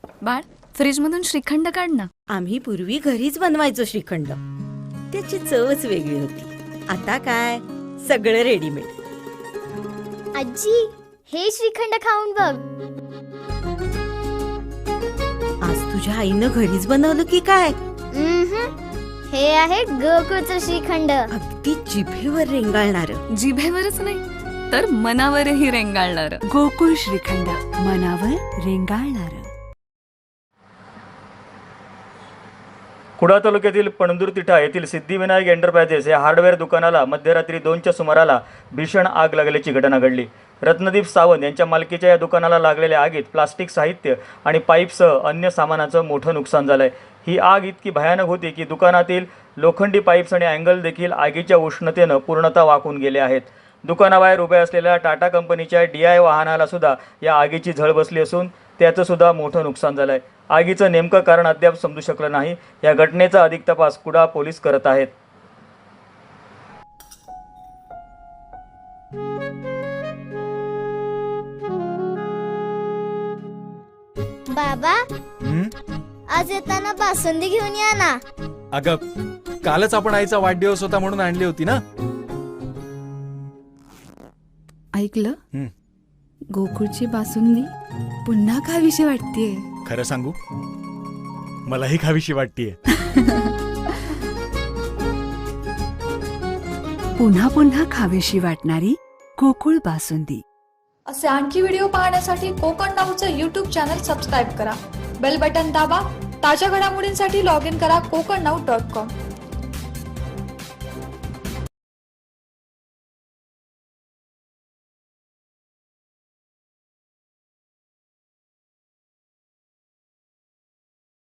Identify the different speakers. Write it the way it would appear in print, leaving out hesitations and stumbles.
Speaker 1: बाळ, फ्रीज मधून श्रीखंड काढ ना.
Speaker 2: आम्ही पूर्वी घरीच बनवायचो श्रीखंड. त्याची चवच वेगळी होती. आता काय सगळं रेडीमेड.
Speaker 3: आजी, हे श्रीखंड खाऊन बघ.
Speaker 2: आज तुझ्या आईनं घरीच बनवलं की काय?
Speaker 3: हे आहे गोकुळचं श्रीखंड.
Speaker 2: अगदी जिभेवर रेंगाळणार.
Speaker 1: जिभेवरच नाही तर मनावरही रेंगाळणार.
Speaker 4: गोकुळ श्रीखंड, मनावर रेंगाळणार.
Speaker 5: कुडाळ तालुक्यातील पणदूर तिठा येथील सिद्धिविनायक एंटरप्राइजेस या हार्डवेअर दुकानाला मध्यरात्री 2च्या सुमाराला भीषण आग लागल्याची घटना घडली. रत्नदीप सावंत यांच्या मालकीच्या या दुकानाला लागलेल्या आगीत प्लास्टिक साहित्य आणि पाईपसह अन्य सामानाचं मोठं नुकसान झालंय. ही आग इतकी भयानक होती की दुकानातील लोखंडी पाईप्स आणि अँगल देखील आगीच्या उष्णतेनं पूर्णतः वाकून गेले आहेत. दुकानाबाहेर उभ्या असलेल्या टाटा कंपनीच्या DI वाहनाला सुद्धा या आगीची झळ बसली असून त्याचं सुद्धा मोठं नुकसान झालंय. आगीचं नेमकं कारण अद्याप समजू शकलं नाही. या घटनेचा अधिक तपास कुडाळ पोलीस करत आहेत.
Speaker 3: बाबा, आज येताना बासुंदी घेऊन या ना.
Speaker 6: अगं, कालच आपण आईचा वाढदिवस होता म्हणून आणली होती ना.
Speaker 4: ऐकलं? गोकुळची बासुंदी पुन्हा खावीशी वाटतेय.
Speaker 6: खरं सांगू, मलाही खावीशी वाटतेय.
Speaker 4: पुन्हा पुन्हा खावीशी वाटणारी गोकुळ बासुंदी.
Speaker 7: असे आणखी व्हिडिओ पाहण्यासाठी कोकण नाऊचं यूट्यूब चॅनल सबस्क्राईब करा. बेल बटन दाबा. ताज्या घडामोडींसाठी लॉग इन करा kokarnau.com.